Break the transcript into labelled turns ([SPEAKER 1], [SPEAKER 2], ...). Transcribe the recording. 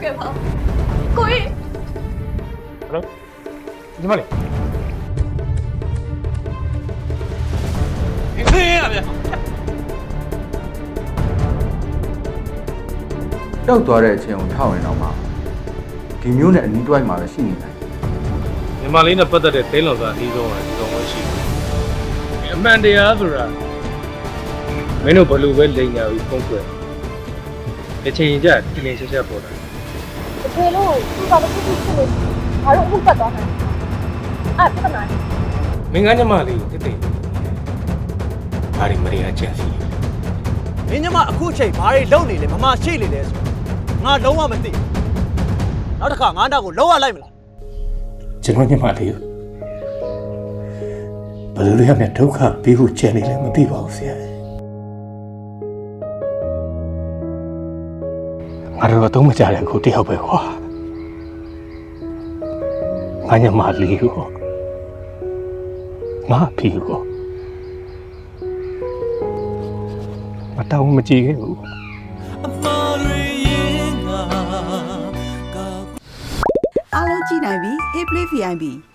[SPEAKER 1] ခဲ့ပါကိုကြီး
[SPEAKER 2] ဟယ်လိုညီမလေးခေးရဗျာ
[SPEAKER 3] တောက်သွားတဲ့အချိန်ကိုထောက်ရင်တော့မှဒီမျိုးနဲ့အနီးတွိုင်းမှာပဲရှိနေတယ်
[SPEAKER 2] ညီမလေးနဲ့ပတ်သက်တဲ့သိန်းလောင်စာအကြီးဆုံးကဒီကောင်မရှိဘူးအမှန်တရားဆိုတာမင်းတို့ဘလို့ပဲလိန်ညာပြီးဖုံးကွယ်တစ်ချိန်ကျတင်းတင်းရှက်ရှက်ပေါ်တာ
[SPEAKER 1] တကယ်လို့သူ့ဘာလို့ဖြစ်လို့ဘာလို့အခုပတ်သွားမှာအဲ့ပြဿနာ
[SPEAKER 2] မင်းကညီမလေးကိုတိတ်ဘာတွေမရချင်စီ
[SPEAKER 4] မင်းညမအခုချိန်ဘာတွေလုပ်နေလဲမမရှိနေလဲဆိုငါလုံးဝမသိနောက်တစ်ခါငါနောက်ကိုလုံးဝလိုက်မလား
[SPEAKER 5] ကျွန်တော်ညီမလေးဘယ်လိုလဲနဲ့ဒုက္ခပေးဖို့ကြံနေလဲမသိပါဘူးဆရာငါတို့တော့မကြတဲ့ကိုတယောက်ပဲကွာငါညီမလေးကိုငါဖီကိုမတောင်းမကြည့်ခဲ့ဘူး
[SPEAKER 6] အားလုံးကြည့်နိုင်ပြီ Hey Play VIP